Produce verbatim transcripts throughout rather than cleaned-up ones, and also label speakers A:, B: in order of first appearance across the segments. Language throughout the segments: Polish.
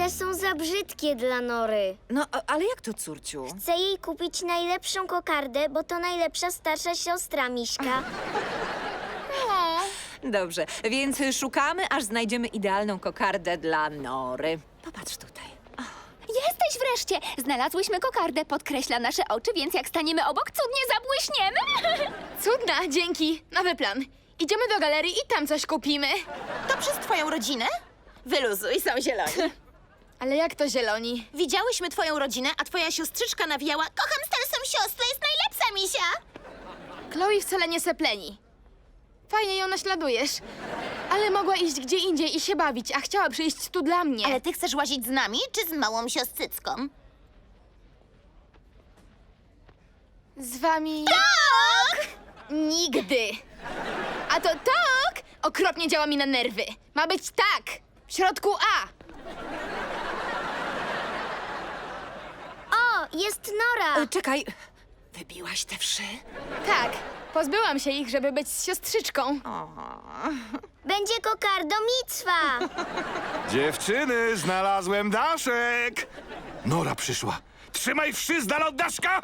A: One są za brzydkie dla Nory.
B: No, a- ale jak to, córciu?
A: Chcę jej kupić najlepszą kokardę, bo to najlepsza starsza siostra Miśka.
B: Dobrze, więc szukamy, aż znajdziemy idealną kokardę dla Nory. Popatrz tutaj.
C: Jesteś wreszcie! Znalazłyśmy kokardę, podkreśla nasze oczy, więc jak staniemy obok, cudnie zabłyśniemy.
D: Cudna, dzięki. Nowy plan. Idziemy do galerii i tam coś kupimy.
E: To przez twoją rodzinę? Wyluzuj, są zieloni.
D: Ale jak to zieloni?
E: Widziałyśmy twoją rodzinę, a twoja siostrzyczka nawijała: kocham starszą siostrę, jest najlepsza, misia!
D: Chloe wcale nie sepleni. Fajnie ją naśladujesz. Ale mogła iść gdzie indziej i się bawić, a chciała przyjść tu dla mnie.
E: Ale ty chcesz łazić z nami, czy z małą siostrzycką?
D: Z wami... Tak! Nigdy. A to tak okropnie działa mi na nerwy. Ma być tak. W środku A.
A: O, jest Nora!
B: E, czekaj, wybiłaś te wszy?
D: Tak. Pozbyłam się ich, żeby być z siostrzyczką.
A: Będzie kokardo Micwa!
F: Dziewczyny, znalazłem daszek! Nora przyszła. Trzymaj wszy z dala od daszka!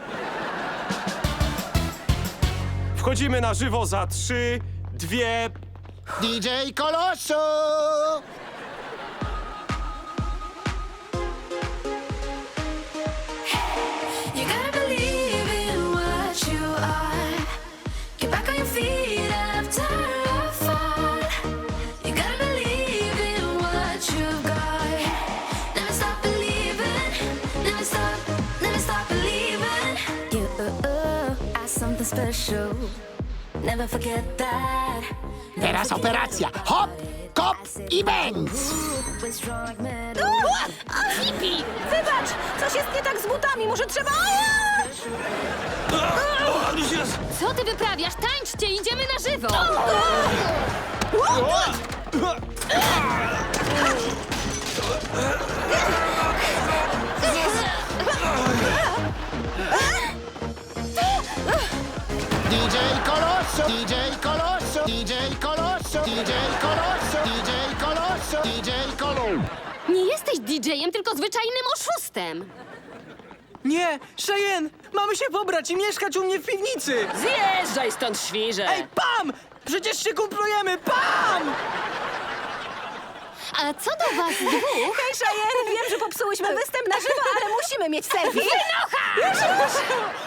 G: Wchodzimy na żywo za trzy, dwie...
H: D J Kolosu!
I: You gotta believe in what you are. Get back on your feet after a fall. You gotta believe in what you've got. Never stop believing. Never stop, never stop believing. You are something special. Never forget that.
H: Teraz operacja. Hop, kop i bęc!
I: We're strong like metal.
E: Fipi, wybacz! Coś jest nie tak z butami, może trzeba...
C: Co ty wyprawiasz? Tańczcie, idziemy na żywo!
H: D J Kolosu! D J Kolosu! D J Kolosu! D J Kolosu! D J Kolosu! D J Kolosu!
C: Nie jesteś didżejem, tylko zwyczajnym oszustem.
J: Nie, Cheyenne! Mamy się pobrać i mieszkać u mnie w piwnicy!
K: Zjeżdżaj stąd, świrze!
J: Ej, Pam! Przecież się kumplujemy! Pam!
C: A co do was dwóch?
E: Hej, Cheyenne, wiem, że popsułyśmy występ na żywo, ale musimy mieć selfie.
J: Już, już!